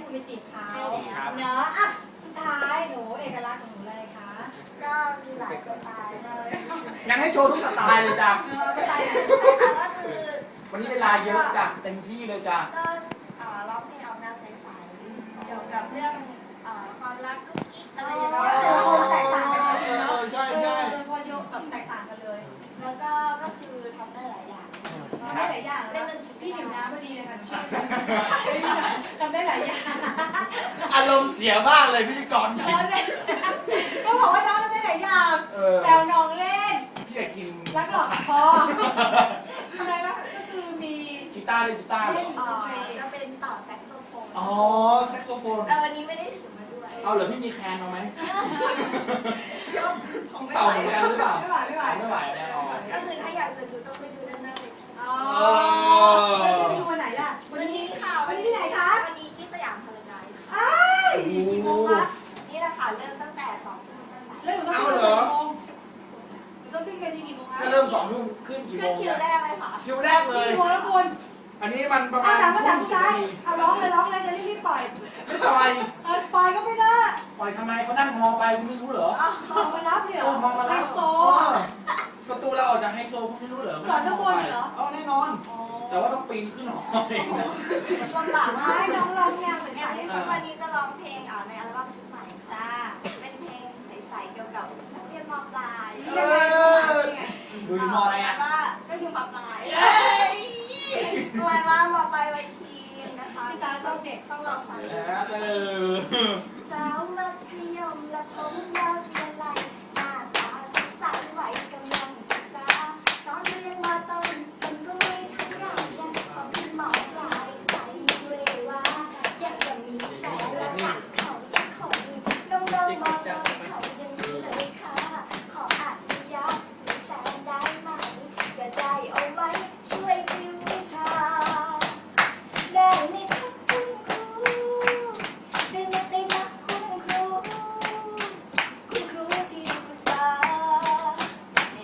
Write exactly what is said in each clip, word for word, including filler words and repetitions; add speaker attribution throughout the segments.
Speaker 1: คุณไปจีบเขา
Speaker 2: ใช่แล้ว
Speaker 1: เนาะอ่ะสุดท้ายหนูเอกลักษณ์ของหนูอะไรคะ
Speaker 2: ก็มีหลายสไตล์เลย
Speaker 3: งั้นให้โชว์ทุกสไตล์เลยจ้ะ
Speaker 1: เออสไตล์ไหน
Speaker 2: แต่ก็คือ
Speaker 3: วันนี้เวลาเยอะจ้ะเต็มที่เลยจ้ะ
Speaker 2: ก็เอ่อร้องเพลงเอาแนวใสๆเกี่ยวกับเรื่องเอ่อความรักกุ๊กกิ๊กอะไรอย่างเงี้ย
Speaker 1: เออแตกต่างกันเลย
Speaker 3: เอ
Speaker 1: เนาะ
Speaker 3: อใช่ใช่
Speaker 1: เออพอยกแบบแตกต่างกันเลย
Speaker 2: แล้วก็ก็คือทำได้หลายอย่าง
Speaker 1: ทำได้หลายอย่างแล้วพี่หิวน้ำพอดีเลยค่ะหนูช่วยทำได้หลายอย่าง
Speaker 3: อารมณ์เสียมากเลยพิธีกรหญิง
Speaker 1: น้องเล่นก็บอกว่าน้องทำได้หลายอย่าง
Speaker 3: เออ
Speaker 1: แซวน้องเล่น
Speaker 3: พี่อยากกิน
Speaker 1: รักหลอกคอทำไมบ้างก็คือมี
Speaker 3: กีตาร์ด้วยกีตาร์เหรอ
Speaker 2: เอ่อจะเป็นต่อแซกโซโฟน
Speaker 3: อ๋อแซกโซโฟน
Speaker 2: แต่วันนี้ไม่ได้ถือมาด้วย
Speaker 3: เอาเหรอพี่มีแคนเอาไหม
Speaker 2: ก็
Speaker 3: ต้องเต่าเหมือนกันหรือเปล่า
Speaker 1: ไม่ไหวไม่ไหว
Speaker 3: ไม่ไหวแน่นอน
Speaker 2: ก็คือถ้าอยากจะดูต้องไปดูด้านหน้าเวที
Speaker 1: อ๋อแล้วจะไปดูวันไหนล่ะ
Speaker 2: วันนี้ค่ะ
Speaker 1: วันนี้ที่ไหนคะ
Speaker 2: วันนี้ที่สยามพารากอนค่ะ
Speaker 1: อ้ายกี่โมงคะ
Speaker 2: นี่แหละค่ะเริ่มตั้งแต่สองทุ่มตั้งแต่
Speaker 1: แล้วหนูต้องขึ้นกี่โมงหนูต้องขึ้นกันกี่โมงคะ
Speaker 3: ถ้าเริ่มสองทุ่มขึ้นกี่โม
Speaker 2: ขึ้น
Speaker 3: ง
Speaker 2: คิวแรกเลยค่ะ
Speaker 3: คิวแรกเลย
Speaker 1: กี่โมงแล้วคุณ
Speaker 3: อันนี้มันประมา
Speaker 1: เอา
Speaker 3: ณ
Speaker 1: ถามมาถาม
Speaker 3: ทุ่
Speaker 1: สุ
Speaker 3: ม
Speaker 1: ด
Speaker 3: สิบ
Speaker 1: ท้าย
Speaker 3: นาที
Speaker 1: เอาร้องเลยร้องเลยจะรีบๆปล่อย
Speaker 3: ไม่ปล่อย
Speaker 1: เออปล่อยก็ไม่ได้
Speaker 3: ปล่อยทำไมเขานั่งมอไปคุณไม่รู้เหรอ
Speaker 1: ออกมารับเนี่ย
Speaker 3: เออมองมา
Speaker 1: ไฮ
Speaker 3: แล้ว
Speaker 1: โซ
Speaker 3: เออประตูเราออกจากไฮโซคุณไม่รู้เหรอ
Speaker 1: สอนข้างบนเหรอ
Speaker 3: เอาแน่นอน แต่ว่าต้องปีนขึ้นหอเอง
Speaker 2: ลำบากมาก
Speaker 1: ให้น้องร้องแนวใส
Speaker 2: เนี่ยวันนี้จะร้องเพลงอ่าในอัลบั้มชุดใหม่
Speaker 1: ๆจ้า
Speaker 2: เป็นเพลงใสๆเกี่ยวกับนักเรียนมปลาย
Speaker 3: เออดูอยู่มออะไรอ่ะ
Speaker 2: ว่าก็อยู่มปลายประมาณว่ามปลายวัยทีนนะคะ
Speaker 1: พี่ตาชอบเด็ก
Speaker 2: ต้องลองฟัง
Speaker 3: เออ
Speaker 2: สาวมัธยมและผมยาวเรียนไรหน้าตาใสๆวัยกำลังศึกษาตอนเรียนมาต้นมันก็ไม่เท่าไหร่ยังพอขึ้นมปลายใจเลยว่าอยากจะมีแฟนและรักเขาสักคนน้องๆมอต้นเขายังมีเลยค่ะขออนุญาตมีแฟนได้ไหมจะได้เอาไว้ช่วยติววิชาได้ไหมคะคุณครูได้ไหมได้ไหมคุณครูคุณครูที่คุณฟ้า
Speaker 3: อันนี้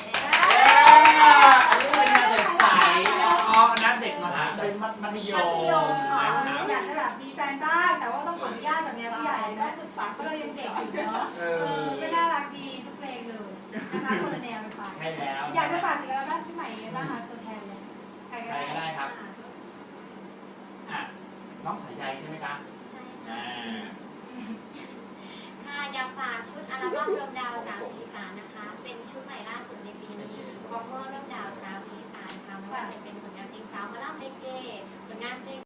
Speaker 3: เป็นงานใสๆอ๋อนัดเด็กมหาเป็นมัธย
Speaker 2: มั
Speaker 3: ม
Speaker 2: ธยมค่ะ
Speaker 3: นะครับ
Speaker 1: อยากจะแบบมีแฟนบ้างแต่ว่าต้องขออนุญาตแบบเนี้ยผู้ใหญ่นะเพราะเรายังเด็กอยู่เนาะเออก็น่ารักดีทุกเพลงเลยนะคะคนละแนวไปฟัง
Speaker 3: ใช่แล้ว
Speaker 1: อยากจะฝากถึงอัลบั้มชุดใหม่ยังไงบ้างคะตัวแทนเลยใคร
Speaker 3: ใครก็ได้ครับอ่ะน้องสายใยใช่ไหมครับ
Speaker 4: ใช่
Speaker 3: อ่า
Speaker 4: ค่ะอยากฝากชุดอัลบั้มรวมดาวสาวสีอีสานนะคะ เป็นชุดใหม่ล่าสุดในปีนี้ของพวกรวมดาวสาวสีอีสานค่ะไม่ว่าจะเป็นผลงานเพลงสาวมาล่ำเลเกผลงานเพลง